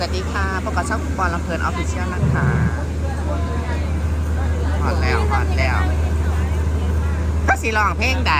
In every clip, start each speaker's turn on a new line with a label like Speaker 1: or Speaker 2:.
Speaker 1: สวัสดีค่ะพบกับช่องบอลลำเพลินออฟฟิเชียลนะคะฮอตแล้วก็สีร้องเพลงใด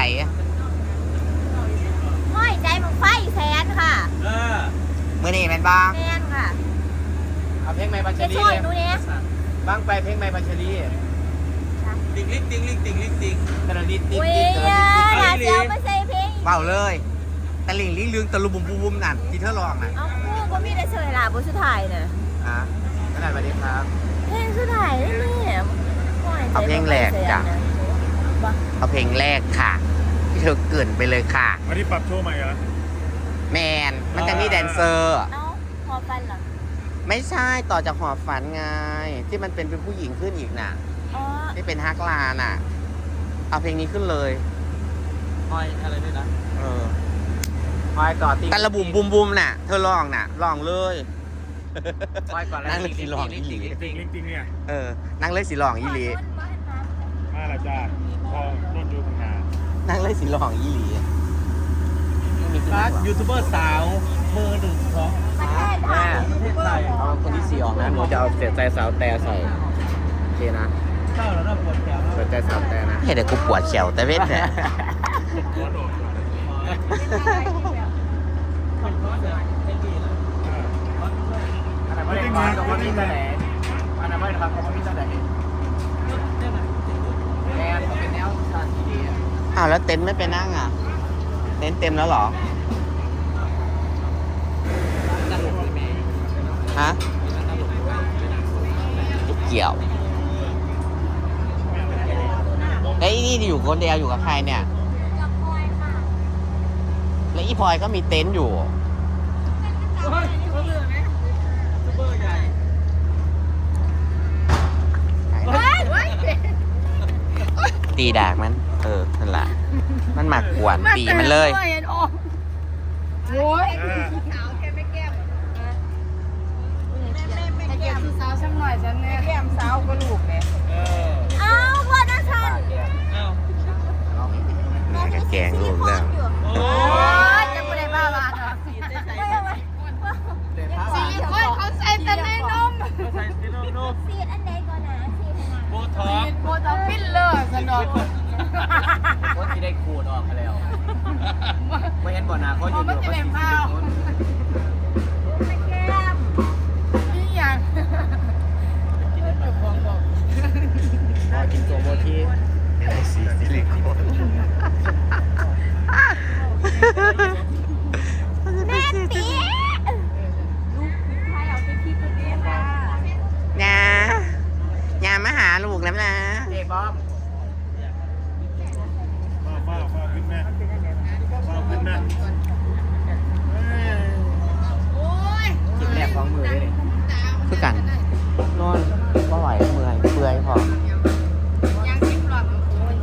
Speaker 2: ห้อยใจมึงไฟแสนค่ะ
Speaker 1: มือนี่แม่นบ้าง
Speaker 2: แมนค่ะ
Speaker 3: เอาเพลงไม้บัญช
Speaker 2: จะ
Speaker 3: ลี
Speaker 2: ช่วย
Speaker 3: เลย
Speaker 2: หนูเนี่ย
Speaker 3: บ้างไปเพลงไม้บัญชลีติงลิกติงลิกติงลิกติงกระดิ่งติง
Speaker 2: อุ้ย
Speaker 3: ติงกระดิ่ง
Speaker 2: หาเสียวมาใส่เพลง
Speaker 1: เบาเลยตะลิงลิงลืงตะลุมบุมบุมนั่นที่เธอร้องน่ะ
Speaker 2: เอาคู่ก็มีแต่เฉยล่ะบนสุดท้ายน่ะ
Speaker 3: ขนาดวันนี้ครับ
Speaker 2: เพลงสุดท้ายนี่ห้อยใจ
Speaker 1: เอาเพลงแรกจ้ะ
Speaker 2: บ่
Speaker 1: เอาเพลงแรกค่ะที่เธอเกินไปเลยค่ะ
Speaker 4: วันนี้ปรับโชว์ใหม่เหรอ
Speaker 1: แมนมันจะมีแดนเซอร์
Speaker 2: เอ้าพอฟันเหรอ
Speaker 1: ไม่ใช่ต่อจากหอบฝันไงที่มันเป็นผู้หญิงขึ้นอีกน่ะ
Speaker 2: อ๋อ
Speaker 1: ที่เป็นฮักลาน่ะเอาเพลงนี้ขึ้นเลย
Speaker 3: คอยอะไรด้วยนะ
Speaker 1: เออ
Speaker 3: คอยก่อนติง
Speaker 1: ตะละบุมบุมบุมน่ะเธอร้องน่ะร้องเลย
Speaker 3: คอยก่อนแล้ว
Speaker 1: นั่งเลยสิลองอีหลี
Speaker 4: จริงจริงเนี่ย
Speaker 1: นั่งเลยสิร้องอีหลี
Speaker 4: มาละจ้าพอโดนดูมึงหา
Speaker 1: นั่งเลยสิร้องอีหลีไม่มีขึ้น
Speaker 3: ร้าน
Speaker 1: หรอ
Speaker 3: ยูทูบเบอร์สาวเบอร์หนึ่งของ
Speaker 2: ประเทศไทย
Speaker 3: ประเทศไทย
Speaker 1: เอาคนที่สี่ออกนะหนูจะเอาเสียใจสาวแต่ใส่โอเคนะ
Speaker 3: เข้าแล้วเราปวดแขน
Speaker 1: เสียใจสาวแต่นะเดี๋ยวกูปวดเขียวแต่เว้นเนี่ย
Speaker 4: หัวโดดก่อน
Speaker 3: อันนั้นไม่ได้มากับคนที่ไหนอันนั้นไม่ได้มากับคนที่ไหนแอนเขาเป็นแนวชาติดี
Speaker 1: อ้าวแล้วเต็นท์ไม่ไปนั่งอ่ะเต็นท์เต็มแล้วเหรอ
Speaker 3: ตลกเลยแม่
Speaker 1: ฮะเกี่ยวแล้วอีนี่อยู่คนเดียวอยู่กับใครเนี่ย
Speaker 2: กับพลอยค่ะ
Speaker 1: แล้วอีพลอยก็มีเต็นท์อยู่
Speaker 3: ซูเปอร์ใหญ่
Speaker 1: ตีดากมันนั่นแหละมันหมักกวนตีมันเลย
Speaker 2: โอ้ย
Speaker 5: ให้แก้มสาวสักหน่อยฉันเนี่ยแก้มสาวก็ลูกเนี่ย
Speaker 2: เอ้าพ่อนะฉัน
Speaker 1: แม่ก็แกงลูกแล้ว
Speaker 2: โอ้ยจะไม่ได้บ้าบ้าหรอก
Speaker 5: สี่คนเขาใส่แต่ในนม
Speaker 2: ซีดอันใดก่อนนะซีดอัน
Speaker 3: โบ
Speaker 2: นั้น
Speaker 3: ท็อก
Speaker 5: โบต้องปิ้นเลยสนอง
Speaker 3: คนที่ได้ขูดออกไปแล้วไม่เห็นบ่อนาเขาอยู่อยู่เขาสิบคน
Speaker 2: แก้ม
Speaker 5: นี่อย่าง
Speaker 3: พอกินโจโบที
Speaker 2: แม่ตีลูกชายเอาไปคิดตัวนี้ค่ะ
Speaker 1: นะยามาหาลูกแล้วนะ
Speaker 3: เจ๊บอม
Speaker 4: ฟ้าขึ้นแม่ฟ้าขึ้นแม่
Speaker 5: โอ้ย
Speaker 3: กินแรกของมือเลย
Speaker 1: คือกันนอนก็ไหวเมื่อยเปื่อยพอ
Speaker 5: ยังสิบหลอด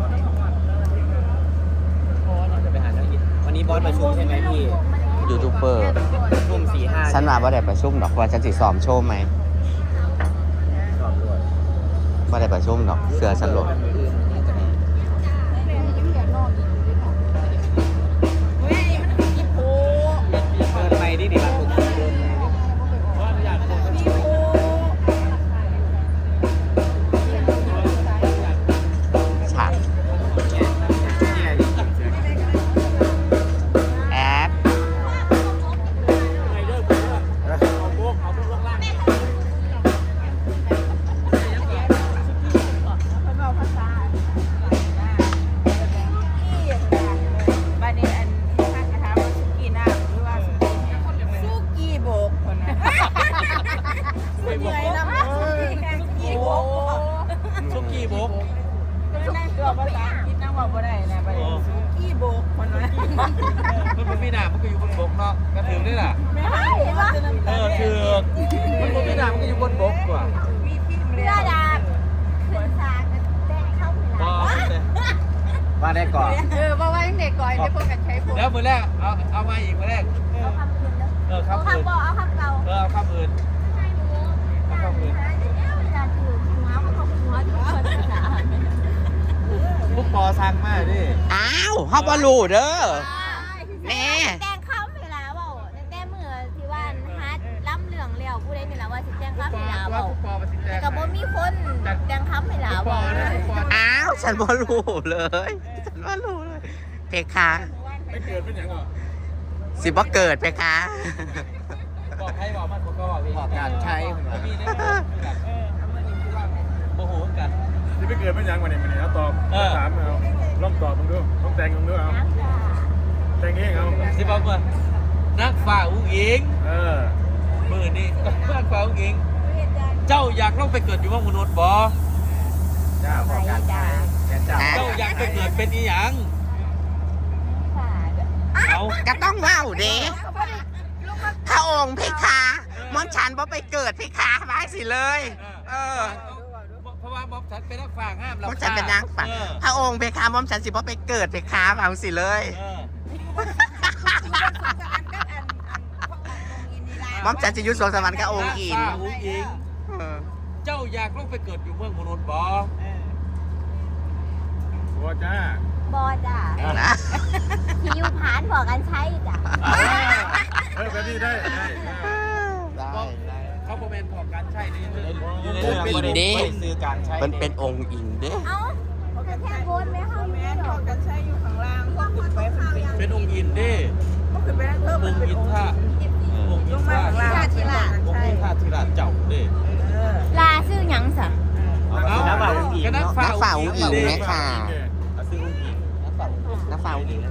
Speaker 3: จะไปหาเนื้อกินวันนี้บอสประชุมใช่ไหมพี่
Speaker 1: ยูทูบเบอร์
Speaker 3: ทุ่ม4-5
Speaker 1: ฉันมาว่าได้ประชุมดอกว่าฉันสิซ้อมโชว์ไหม
Speaker 3: สอบด้วย
Speaker 1: ว่าได้ประชุมดอกเสือฉันหลด
Speaker 5: เฮ้ยมันกี่โพ
Speaker 3: เดินไปดิดิบ้านผมเดินอยากโ
Speaker 5: กี่โพ
Speaker 1: ฉากแอป
Speaker 5: บ้านนี้อันข้างกระทะว่าสุกี้น้ำหรือว่าสุกี้โบกคนนะสุกี้น้ำสุกี้โบก
Speaker 3: ชุกี้บุ๊ก
Speaker 5: ก็ได้ตัวภาษาอังกฤษนะว่าบ่ได้นะไปสุกี้โบกคนนะ
Speaker 3: มันไม่ด่ามันก็อยู่บนบกเนาะกระถือได้ล่ะ
Speaker 5: ไม่ให้ว่า
Speaker 3: ถือมันไม่ด่ามันก็อยู่บนบกกว่า
Speaker 5: มีพี่
Speaker 2: เพื่อดาบขึ้นสากแต้เข้าเว
Speaker 3: บ
Speaker 2: ลา
Speaker 3: อว่าได้ก่อน
Speaker 5: เพราะว่าเด็กก่อนได้พวกกันใช้พวก
Speaker 3: แล้วมือแรกเอามาอีกมือแรก
Speaker 2: เอาคำอื่นเด้อ
Speaker 3: ค
Speaker 2: เอา
Speaker 3: ำอื่น
Speaker 2: คำบอกเอาคำเก่า
Speaker 3: เอาคำอื่น
Speaker 2: เวลาถือหัวเขาหัวทุกคนนะ
Speaker 3: ลูกปอสั่งมากดิ
Speaker 1: อ้าวเฮาบ่รู้เด้อ แม่
Speaker 2: แต่งเข้าเวลาเปล่าแต่เมื่อที่ว่าฮัดล้ำเหลืองเลี้ยวผู้ใดว่าสิแจ้งคำให้หลาเบาแต่ก็บ่มีคนแจ้งคำให้หลาเบาเลย
Speaker 1: อ้าวฉันบ่รู้เลยฉันบ่รู้เลยเพคะ
Speaker 4: ไม่เกิดเป็นอย่างหรอ
Speaker 1: สิบ่เกิดเพคะ
Speaker 3: บอกให้บอกมันก็บอกบอกการใช้มีได้โอ้โหกัน
Speaker 4: ที่ไม่เกิดเป็นอย่างวันนี้มันนี่เอาตอบถามเอาลองตอบมึงดูต้องแต่งมึงดูเอาแต่งเองเอา
Speaker 3: สิบอกว่านักฝ่าอุ้งอิง มือนี่นักฝ่าอุ้งอิงเจ้าอยากลงไปเกิดอยู่ว่ามนุษย์บ่
Speaker 4: จ้าบอกการใช้จ้า
Speaker 3: เจ้าอยากไปเกิดเป็นอีหยังเอา
Speaker 1: ก็ต้องว้าวเด้พระองค์เพคะมอนฉันบ่ไปเกิดเพคะมาสิเลย
Speaker 3: เพราะว่าบ๊อบฉันเป็นนักฝ่าห้ามเรา
Speaker 1: มอนฉันเป็นนางฝันพระองค์เพคะมอนฉันสิบ่ไปเกิดเพคะมาสิเลยมอนฉันจะยุดสวงสวรรค์กับองค์อิน
Speaker 3: อุ้งอิงเจ้าอยากลงไปเกิดอยู่เมืองมนุษย์บ่
Speaker 4: บัวจ้า
Speaker 2: บอจ้ะที่อยู่ผานบอกกันใช้จ้ะ
Speaker 4: แบบนี้ได้
Speaker 3: เขาบอกเป็นของการใช้ในเรื่อง
Speaker 1: ซื้อการใช้มันเป็นองค์อิงเด้
Speaker 2: เอ้าเขาก็แค่โกนไหมเขา
Speaker 5: แม่
Speaker 2: ไม่
Speaker 5: น
Speaker 2: หร
Speaker 5: พ
Speaker 2: อ
Speaker 5: อก กันใช้อยู่ข้างล่างพวกขึ้นไปเป็น
Speaker 3: เป็นองค์อินเด้
Speaker 5: พวกขึ้นไปนั่งเพิ่ม
Speaker 3: องค์อินท่าองค์อิ
Speaker 5: ล
Speaker 3: น
Speaker 5: งมา
Speaker 3: ท่า
Speaker 5: ข้างล่างทีละ
Speaker 3: องค์อินท่าธิราชเจ้าเด้
Speaker 2: ลาซื้อหยังสะ
Speaker 3: นักฝ่าอุ้งอิง
Speaker 1: แม่ค่ะ
Speaker 3: เอาซื้ออุ้งอิง
Speaker 1: น้าฝ่าองค์อิง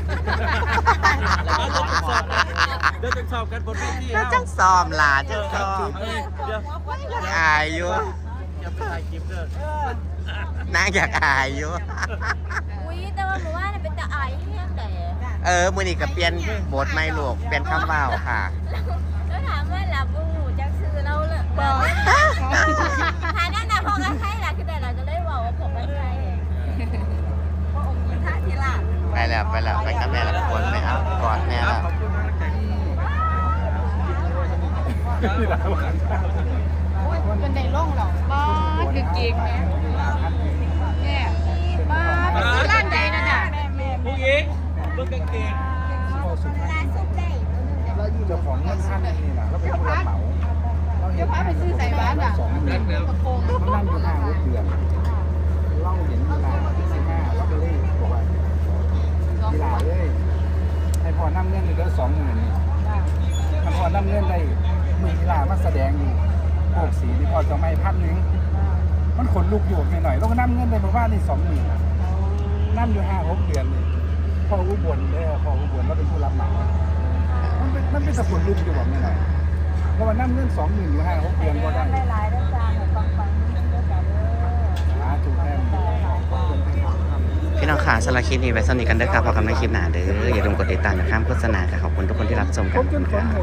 Speaker 3: เดี๋ยวจะสอบกันบนเวที
Speaker 1: แล้วจังซ้อมล่ะจังซ้อม
Speaker 3: เดี๋ยว
Speaker 1: อายอยู่
Speaker 3: อย่าไปถ่ายคลิปเด้อน
Speaker 1: างอยากอายอยู่
Speaker 2: อุ้ยแต่ว่าหนูว่าเนี่ยเป็นตาไอ้เนี่ยแต่
Speaker 1: มื้อนี้ก็เปลี่ยนบทใหม่ลูกเปลี่ยนคำเว้าค่ะ
Speaker 2: แล้วถามว่าหลับบูจักซื้อเราเลยบอกหาหน้าหนาพอกันใช้หลักคือแต่เราจะได้บอกว่าผมกันใช้
Speaker 5: พระองค์ยินท่าทีละ
Speaker 1: ไปแล้วไปกับแม่ละคนไปเอากอดแม่แล้ว
Speaker 4: ที่ร้านอาหาร
Speaker 5: เป็นในร่องหรอบ้าคือเก่งเนี่ยเนี่ยบ้าเป็นร้านใดนะจ๊ะ
Speaker 3: อุ้งอิงเบิ่งกางเกง
Speaker 2: ร้านสุดใจ
Speaker 6: เราอยู่เจ้าของเงินท่านนี่นะเราเป็นผู้รับเหมาเราเห็น
Speaker 5: เดี๋ยวพาไปซื้อใส่บ้านอ่ะ
Speaker 6: 2 เดือนเขานั่งอยู่5 6 เดือนเราเห็นเวลา15เราก็เลยบอกว่ากีฬาเลยให้พอนั่งเงินเลยก็20,000นี่มันพอนั่งเงินได้มือกีฬามาแสดงอยู่พวกสีนี่พอจะไม่1,000มันขนลุกอยู่หน่อยเราก็นั่งเงินได้มาว่านี่20,000นั่งอยู่5 6 เดือนนี่พออุบลเลยพออุบลเราเป็นผู้รับเหมามันเป็นสกุลลุกอยู่แบบนี้หน่อยเพราะว่านั่งเงิน20,000อยู่5 6 เดือนก็ได้
Speaker 5: หลายๆด้วยจ้าหนูฟังด้วยจ้าเด้อ
Speaker 6: หาถูกแทน
Speaker 1: พี่น้องค่ะสำหรับคลิปนี้ไว้สนิทกันเด้อครับพอกันในคลิปหน้าเด้ออย่าลืมกดติดตามอย่าข้ามโฆษณาค่ะขอบคุณทุกคนที่รับชมกันค่ะ